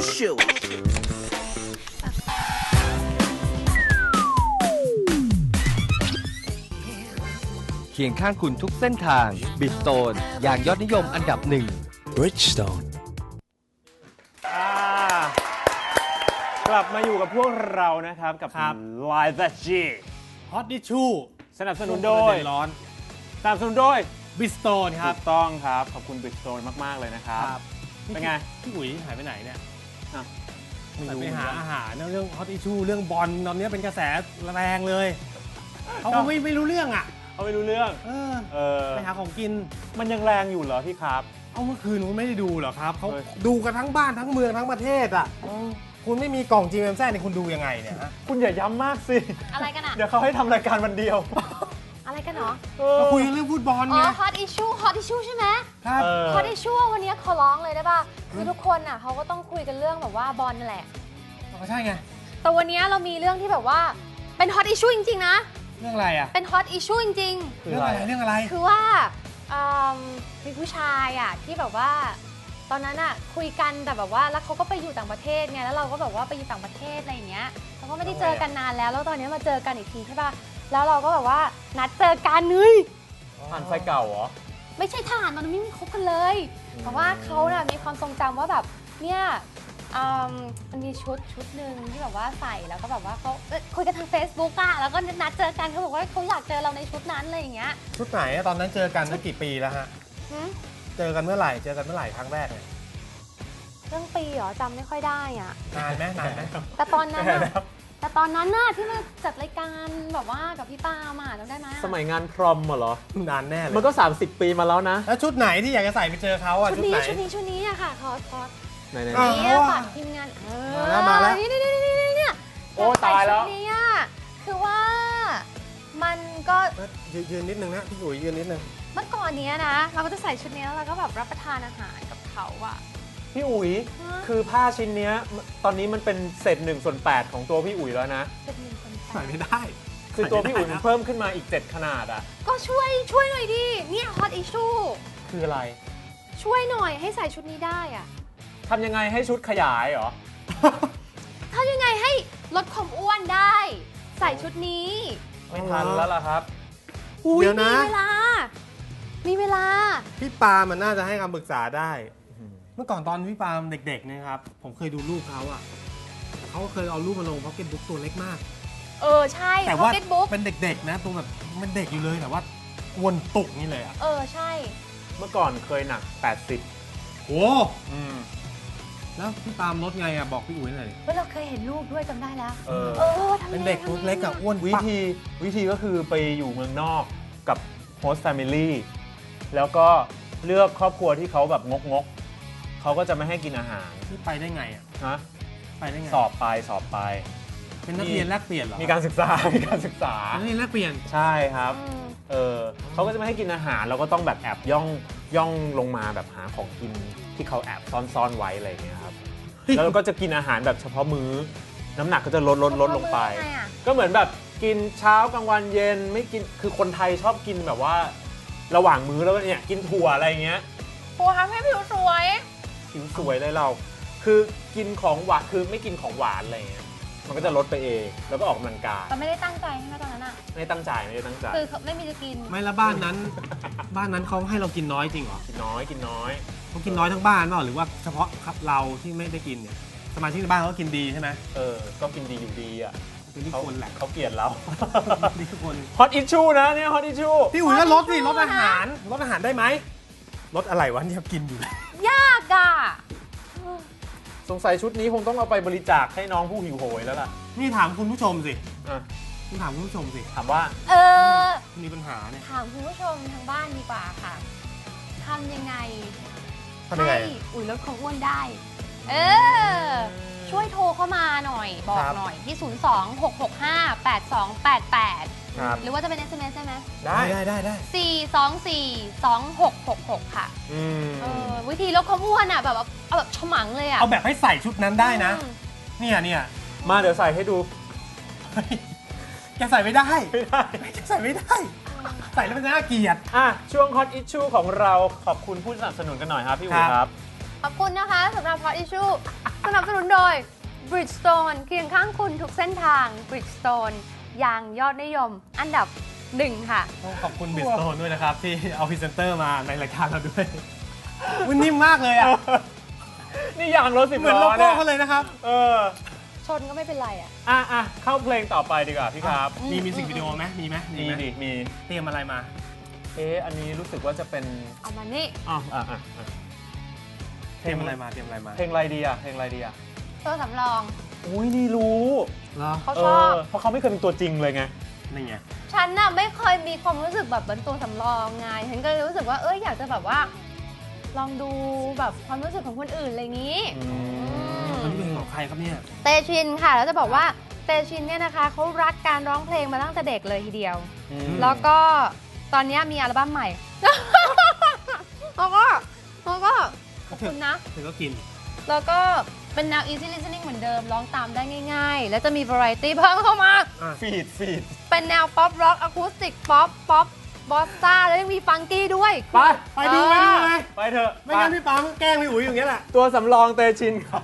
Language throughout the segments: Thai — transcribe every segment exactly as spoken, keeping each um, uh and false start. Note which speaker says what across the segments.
Speaker 1: Issue
Speaker 2: เคียงข้างคุณทุกเส้นทาง Bridgestone อย่างยอดนิยมอันดับหนึ่ง
Speaker 1: Bridgestone
Speaker 3: กลับมาอยู่กับพวกเรานะครับกับ Live at G
Speaker 4: Hot Issue
Speaker 3: สนับสนุนโดย
Speaker 4: ร้อน
Speaker 3: สนับสนุนโดย
Speaker 4: Bridgestone ครับ
Speaker 3: ถูกต้องครับขอบคุณ Bridgestone มากๆเลยนะครับเป็นไง
Speaker 4: พี่อุ๋ยหายไปไหนเนี่ย
Speaker 3: อ่ะ
Speaker 4: แต่ไปหาอาหารเรื่อง Hot Issue เรื่องบอลตอนนี้เป็นกระแสแรงเลยเขาก็ไม่ไม่รู้เรื่องอ่ะ
Speaker 3: เขาไม่รู้เรื่อง
Speaker 4: เออ
Speaker 3: เออ
Speaker 4: ไปหาของกิน
Speaker 3: มันยังแรงอยู่เหรอพี่ครับ
Speaker 4: เอาเมื่อคืนคุณไม่ได้ดูเหรอครับเขา
Speaker 3: เฮ้ย
Speaker 4: ดูกันทั้งบ้านทั้งเมืองทั้งประเทศอ่ะคุณไม่มีกล่อง จี เอ็ม แซด เนี่ยคุณดูยังไงเนี่ยฮะ
Speaker 3: คุณอย่าย้ำมากสิ
Speaker 5: อะไรกันอะ
Speaker 3: เดี๋ยวเขาให้ทำรายการวันเดียว
Speaker 5: อะไรกันเนาะ
Speaker 3: เออ
Speaker 4: เราคุยกันเรื่องฟุตบอล
Speaker 5: อ๋
Speaker 4: ไง
Speaker 5: อ hot issue hot issue ใช่ไหม
Speaker 4: ครับ
Speaker 3: เออ
Speaker 5: hot issue วันนี้ขอร้องเลยได้ป่ะ คือทุกคนอ่ะเขาก็ต้องคุยกันเรื่องแบบว่าบอลนั่นแหละ
Speaker 4: ก็ใช่ไง
Speaker 5: แต่วันนี้เรามีเรื่องที่แบบว่าเป็น hot issue จริงๆนะ
Speaker 4: เรื่องอะไรอ่ะ
Speaker 5: เป็น hot issue จริง
Speaker 3: คือ
Speaker 4: เรื่อง
Speaker 3: อะ
Speaker 4: อะไร ไรเรื่องอะไร
Speaker 5: ๆ คือว่าอืมมีผู้ชายอ่ะที่แบบว่า ตอนนั้นอ่ะคุยกันแต่แบบว่าแล้วเขาก็ไปอยู่ต่างประเทศไง แล้วเราก็แบบว่าไปอยู่ต่างประเทศอะไรอย่างเงี้ยเราก็ไม่ได้เจอกันนานแล้ว แล้วตอนนี้มาเจอกันอีกทีใช่ป่ะ แล้วเราก็แบบว่านัดเจอกันเฮ้ย
Speaker 3: ผ่านไฟเก่าเหรอ
Speaker 5: ไม่ใช่ทหารตอนนั้นไม่มีคบกันเลยแต่ว่าเขาน่ะมีความทรงจำว่าแบบเนี่ยอืมมันมีชุดชุดหนึ่งที่แบบว่าใส่แล้วก็แบบว่าเขาเอ้ยคุยกันทาง Facebook อะแล้วก็นัดเจอกันเขาบอกว่าเขาอยากเจอเราในชุดนั้นอะไรอย่างเงี้ย
Speaker 4: ชุดไหนอะตอนนั้นเจอกันเมื่อกี่ปีแล้วฮะ
Speaker 5: หึ
Speaker 4: เจอกันเมื่อไหร่เจอกันเมื่อไหร่ครั้งแรกเนี่ย
Speaker 5: เรื่องปีเหรอจำไม่ค่อยได้อ่ะ
Speaker 4: นานไหมนานไหม
Speaker 5: แต่ตอนนั้น
Speaker 3: แค่
Speaker 5: อะ
Speaker 3: แล้ว
Speaker 5: แต่ตอนนั้นน่ะที่มาจัดรายการแบบว่ากับพี่ปามาจำได้ไหมอะ
Speaker 3: สมัยงานพรอมเหรอ
Speaker 4: นานแน่เลย
Speaker 3: มันก็ สามสิบ ปีมาแล้วนะ
Speaker 4: แล้วชุดไหนที่อยากจะใส่ไปเจอเขาอะ
Speaker 5: ชุด
Speaker 4: ชุด
Speaker 5: นี้
Speaker 4: ไหน
Speaker 5: ชุดนี้ชุดนี้อะค่ะคอสคอส
Speaker 3: ไหนๆ
Speaker 4: อ้าว
Speaker 5: นี่ฝากทีมงานเออ
Speaker 4: มาแล้วมาแล้ว
Speaker 5: นี่นี่นี่นี่เนี่ย
Speaker 3: โอ้ตายแล้ว
Speaker 5: ชุดนี้อะคือว่ามันก็
Speaker 4: ยืนยืนนิดนึงนะพี่อุ๋ยยืนนิดนึง
Speaker 5: เมื่อก่อนเนี้ยนะ เราก็จะใส่ชุดนี้แล้วเราก็แบบรับประทานอาหารกับเขาอะ
Speaker 3: พี่อุ๋ย
Speaker 5: ฮะ
Speaker 3: คือผ้าชิ้นเนี้ยตอนนี้มันเป็นเศษหนึ่งส่วนแปดของตัวพี่อุ๋ยแล้วนะ
Speaker 5: เป็นหนึ่งคน
Speaker 4: ใส่ไม่ได้
Speaker 3: คือตัวพี่อุ๋ยมันเพิ่มขึ้นมาอีกเจ็ดขนาดอ่ะ
Speaker 5: ก็ช่วยช่วยหน่อยดิเนี่ย hot issue
Speaker 3: คืออะไร
Speaker 5: ช่วยหน่อยให้ใส่ชุดนี้ได้อะ
Speaker 3: ทำยังไงให้ชุดขยายเหรอ
Speaker 5: ถ้ายังไงให้ลดความอ้วนได้ ใส่ชุดนี้
Speaker 3: ไม่ทันแล้วล่ะครับ
Speaker 5: อุ้ย
Speaker 4: เดี๋ยวนะ
Speaker 5: มีเวลา มีเวลา
Speaker 4: พี่ปามันน่าจะให้คำปรึกษาได้ เมื่อก่อนตอนพี่ปาเด็กๆเนี่ยครับ ผมเคยดูรูปเขาอะเขาเคยเอารูปมาลงพ็อกเก็ตบุ๊กตัวเล็กมาก
Speaker 5: เออใช่
Speaker 4: แต่ว่า
Speaker 5: pocket book
Speaker 4: เป็นเด็กๆนะตัวแบบมันเด็กอยู่เลยแต่ว่าอ้วนตุกนี่เลยอะ
Speaker 5: เออใช่
Speaker 3: เมื่อก่อนเคยหนัก แปดสิบ
Speaker 4: โอ้
Speaker 3: อืม
Speaker 4: แล้วพี่ปามลดไงอะบอกพี่อุ๋ยหน่อยดิ
Speaker 5: เฮ้ยเราเคยเห็นรูปด้วยจำได้แล้ว
Speaker 3: เออ
Speaker 5: เออทำยังไง
Speaker 4: เป็นเด็กตัวเล็กอะอ้วน
Speaker 3: วิ
Speaker 4: ปัก
Speaker 3: ธีวิธีก็คือไปอยู่เมืองนอกกับโฮสต์แฟมิลี่แล้วก็เลือกครอบครัวที่เขาแบบงกงกๆเขาก็จะไม่ให้กินอาหาร
Speaker 4: นี่ไปได้ไงอะ
Speaker 3: นะ
Speaker 4: ไปได้ไง
Speaker 3: สอบไปสอบไป
Speaker 4: เป็นนักเรียนแลกเปลี่ยนเหรอ
Speaker 3: มีการศึกษา มีการศึกษา
Speaker 4: นักเรียนแลกเปลี่ยน
Speaker 3: ใช่ครับ
Speaker 5: อืม
Speaker 3: เออเขาก็จะไม่ให้กินอาหารเราก็ต้องแบบแอบย่องย่องลงมาแบบหาของกินที่เขาแอบซ่อนๆไว้อะไรอย่างเงี้ยครับ แล้วเราก็จะกินอาหารแบบเฉพาะมื้อ น้ำหนักก็จะลดลดลดลงไป
Speaker 5: เขามือยังไงอะ
Speaker 3: ก็เหมือนแบบกินเช้ากลางวันเย็นไม่กินคือคนไทยชอบกินแบบว่า ระหว่างมื้อแล้วก็เนี่ยกินถั่วอะไรอย่างเงี้ย
Speaker 5: ครูทำให้ผิวสวย
Speaker 3: ผิวสวยเลยเรา คือกินของหวานคือไม่กินของหวานอะไรอย่างเงี้ยมันก็จะลดไปเองแล้วก็ออกกำลังกาย
Speaker 5: แต่ไม่ได้ตั้งใจใช่ไหมตอนนั้นอะ
Speaker 3: ไม่ได้ตั้งใจไม่ได้ตั้งใจ
Speaker 5: คือไม่มีจะกิน
Speaker 4: ไม่แล้วบ้านนั้น บ้านนั้นเขาให้เรากินน้อยจริงเหรอ
Speaker 3: กินน้อยกินน้อย
Speaker 4: เขากินน้อยทั้งบ้านเปล่าหรือว่าเฉพาะเราที่ไม่ได้กินเนี่ยสมาชิกในบ้านเขากินดีใช่ไหม
Speaker 3: เออก็กินดีอยู่ดีอ่ะ
Speaker 4: กินที่
Speaker 3: เขา
Speaker 4: คนแหละ
Speaker 3: เขาเกลียดเรา
Speaker 4: ดีทุกคน
Speaker 3: ฮอตอิชชูนะเนี่ยฮอตอิชชู
Speaker 4: พี่อุ๋ยก็ลดสิ
Speaker 5: ขอ
Speaker 4: ล
Speaker 5: ทิชชู่
Speaker 4: ดอาหารลดอาหารได้ไหมลดอะไรวะเนี่ยกินอยู่เลย
Speaker 5: ยากอะ
Speaker 3: สงสัยชุดนี้คงต้องเอาไปบริจาคให้น้องผู้หิวโหยแล้วล่ะ
Speaker 4: นี่ถามคุณผู้ชมสิ
Speaker 3: อ่ะ
Speaker 4: คุณถามคุณผู้ชมสิ
Speaker 3: ถามว่า
Speaker 5: เออ
Speaker 4: มีปัญหาเนี่ย
Speaker 5: ถามคุณผู้ชมทางบ้านดีกว่าค่ะทำยังไง
Speaker 4: ทำยังไง
Speaker 5: ให้อุ๋ยลดความอ้วนได้ เออ ช่วยโทรเข้ามาหน่อย บอกหน่อยที่ ศูนย์ สอง หก หก ห้า แปด สอง แปด แปด
Speaker 3: ครับ
Speaker 5: หรือว่าจะเป็น เอส เอ็ม เอส ได้ไหม
Speaker 3: ได้
Speaker 4: ได้ได้ได้
Speaker 5: สี่ สอง สี่ สอง หก หก หก ค่ะ
Speaker 3: อืม
Speaker 5: เออวิธีลดความอ้วนอ่ะแบบว่าเอาแบบฉมังเลยอ่ะ
Speaker 4: เอาแบบให้ใส่ชุดนั้นได้นะ
Speaker 5: อืม
Speaker 4: เนี่ยเนี่ย
Speaker 3: มาเดี๋ยวใส่ให้ดู
Speaker 4: เฮ้ยแกใส่ไม่ได้
Speaker 3: ไม่ได้
Speaker 4: แกใส่ไม่ได้ ใส่แล้วมันน่าเกลียด
Speaker 3: อ่ะ ช่วงฮอตอิชชูของเราขอบคุณผู้สนับสนุนกันหน่อยครับพี่อุ๋ย
Speaker 4: ครับ
Speaker 3: ครับ
Speaker 5: ขอบคุณนะคะสำหรับ Hot Issue สนับสนุนนุนโดย Bridgestone เคียงข้างคุณทุกเส้นทาง Bridgestone ยางยอดนิยมอันดับหนึ่งค่ะ
Speaker 4: ต้องขอบคุณบิสโตนด้วยนะครับ ที่เอาพรีเซนเตอร์มาในรายการเราด้วยมันนิ่มมากเลยอ่ะ
Speaker 3: นี่ยางรถสิบ
Speaker 4: เหมือน
Speaker 3: ล้
Speaker 4: โล
Speaker 3: อ
Speaker 4: โก้
Speaker 3: เนี่ย
Speaker 4: เขาเลยนะครับ
Speaker 3: เออ
Speaker 5: ชนก็ไม่เป็นไรอ่ะ
Speaker 3: อ่ะอ่ะเข้าเพลงต่อไปดีกว่าพี่ครับ
Speaker 4: มีมิวสิกวิดีโอไหมมีไหม
Speaker 3: มี
Speaker 4: ไหม
Speaker 3: ดิมี
Speaker 4: เตรียมอะไรมา
Speaker 3: เอ๊ะอันนี้รู้สึกว่าจะเป็น
Speaker 5: เอามานี่
Speaker 3: อ๋ออ่ะอ่ะอ่ะ
Speaker 4: เตรียมอะไรมาเตรียมอะไรมา
Speaker 3: เพลงอะไรดีอ่ะเพลงอะไรดีอ่ะ
Speaker 5: ตัวสำรอง
Speaker 3: อุ้ยนี่รู้
Speaker 4: เหรอ
Speaker 5: เขา
Speaker 3: เอ
Speaker 5: ชอบ
Speaker 3: อเพราะเขาไม่เคยเป็นตัวจริงเลยไง
Speaker 4: นี่ไง
Speaker 5: ฉันน่ะไม่เคยมีความรู้สึกแบบเป็นตัวสำรองไงฉันก็เลยรู้สึกว่าเอออยากจะแบบว่า ลองดูแบบความรู้สึกของคนอื่นอะไรอย่างนี้
Speaker 3: อืม
Speaker 4: อันนี้เป็นของใครครับเนี่ย
Speaker 5: เตชินค่ะแล้วจะบอกว่าเตชินเนี่ยนะคะเขารักการร้องเพลงมาตั้งแต่เด็กเลยทีเดียว
Speaker 3: อืม
Speaker 5: แล้วก็ตอนนี้มีอัลบั้มใหม่ แล้วก็แล้วก็ขอบคุณนะ
Speaker 4: ถึงก็กิน
Speaker 5: แล้วก็เป็นแนว easy listening เหมือนเดิมร้องตามได้ง่าย ๆ แล้วจะมี variety เพิ่มเข้ามา
Speaker 3: ฟีดฟีด
Speaker 5: เป็นแนวป๊อปร็อกอะคูสติกป๊อปป๊อปบอสซ่าแล้วยังมีฟังกี้ด้วย
Speaker 3: ไป
Speaker 4: ไปดูไปดูเลย
Speaker 3: ไปเถอะ
Speaker 4: ไม่งั้นพี่ปาล์มก็แกล้งพี่อุ๋ยอย่างเงี้ยแหละ
Speaker 3: ตัวสำรองเตชินครับ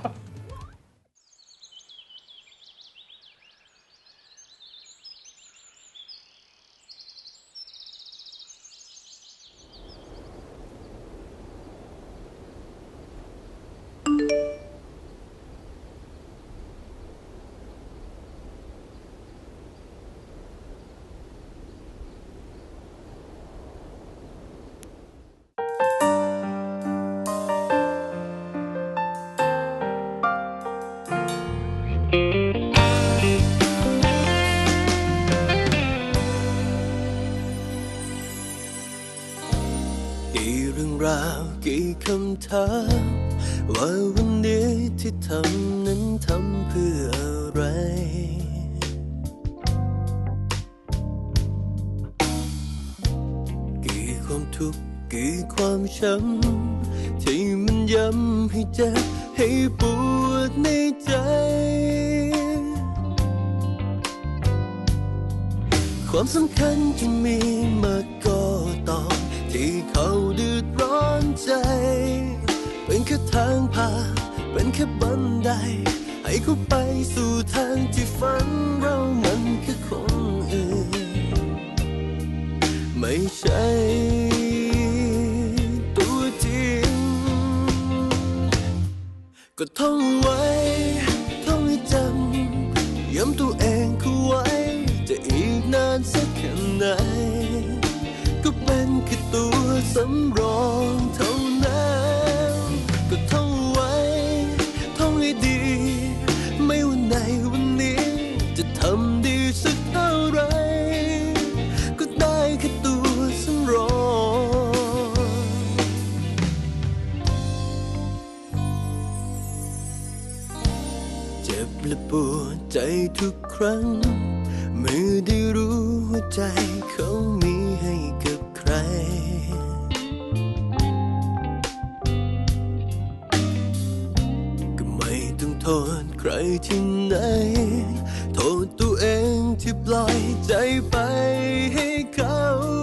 Speaker 1: กี่เรื่องราวกี่คำถามว่าวันนี้ที่ทำนั้นทำเพื่ออะไรกี่ความทุกข์กี่ความช้ำที่มันย้ำให้เจ็บให้ปวดในใจความสำคัญที่มีมาก็ตอนที่เขาเดือดร้อนใจเป็นแค่ทางผ่านเป็นแค่บันไดให้เขาไปสู่ทางที่ฝันเรามันคือคนอื่นไม่ใช่ตัวจริงก็ท่องไว้ท่องให้จำย้ำตัวเองเข้าไว้จะอีกนานสักแค่ไหนก็เป็นแค่ตัวสำรองเท่านั้นก็ท่องไว้ท่องให้ดีไม่ว่าในวันนี้จะทำดีสักเท่าไรก็ได้แค่ตัวสำรองเจ็บและปวดใจทุกครั้งเมื่อได้รู้ว่าใจเขามีให้กับใครก็ไม่ต้องโทษใครที่ไหนโทษตัวเองที่ปล่อยใจไปให้เขา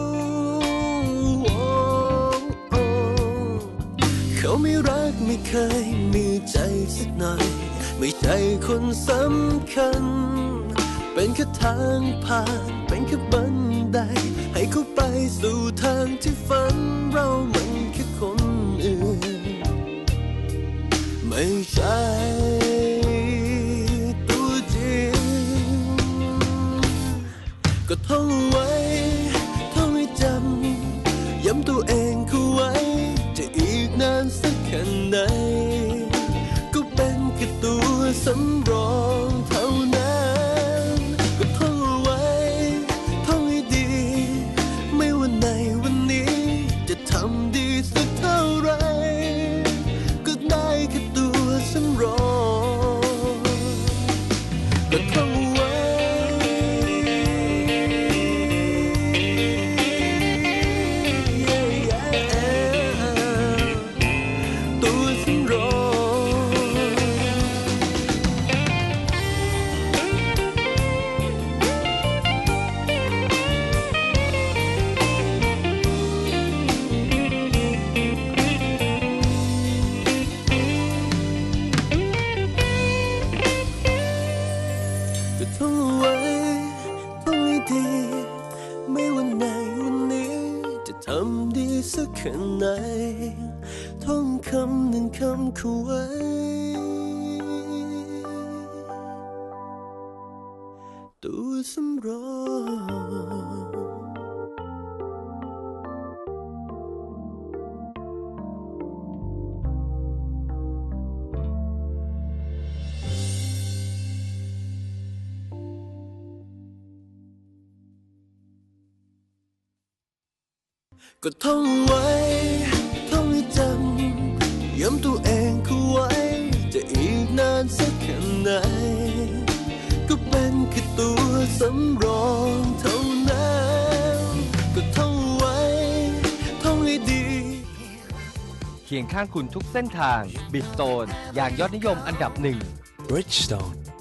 Speaker 1: เขาไม่รักไม่เคยมีใจสักหน่อยไม่ใช่คนสำคัญเป็นแค่ทางผ่านเป็นแค่บันไดให้เขาไปสู่ทางที่ฝันเรามันแค่คนอื่นไม่ใช่ตัวจริงก็ท่องไว้ท่องให้จำย้ำตัวเองเข้าไว้จะอีกนานสักแค่ไหนก็เป็นแค่ตัวสำรองเท่านั้นก็ท่องไว้ท่องให้ดีไม่ว่าในวันนี้จะทำดีสักเท่าไรก็ได้แค่ตัวสำรองก็ท่องไว้ตัวสำรองแค่ไหนท่องคำหนึ่งคำเขาไว้ตัวสำรองก็ท่องไว้ท่องให้จำย้ำตัวเองเข้าไว้จะอีกนานสักแค่ไหนก็เป็นแค่ตัวสำรองเท่านั้นก็ท่องไว้ท่องให้ดี
Speaker 2: เคียงข้างคุณทุกเส้นทางบิสโตนอย่างยอดนิยมอันดับหนึ่ง
Speaker 6: Bridgestone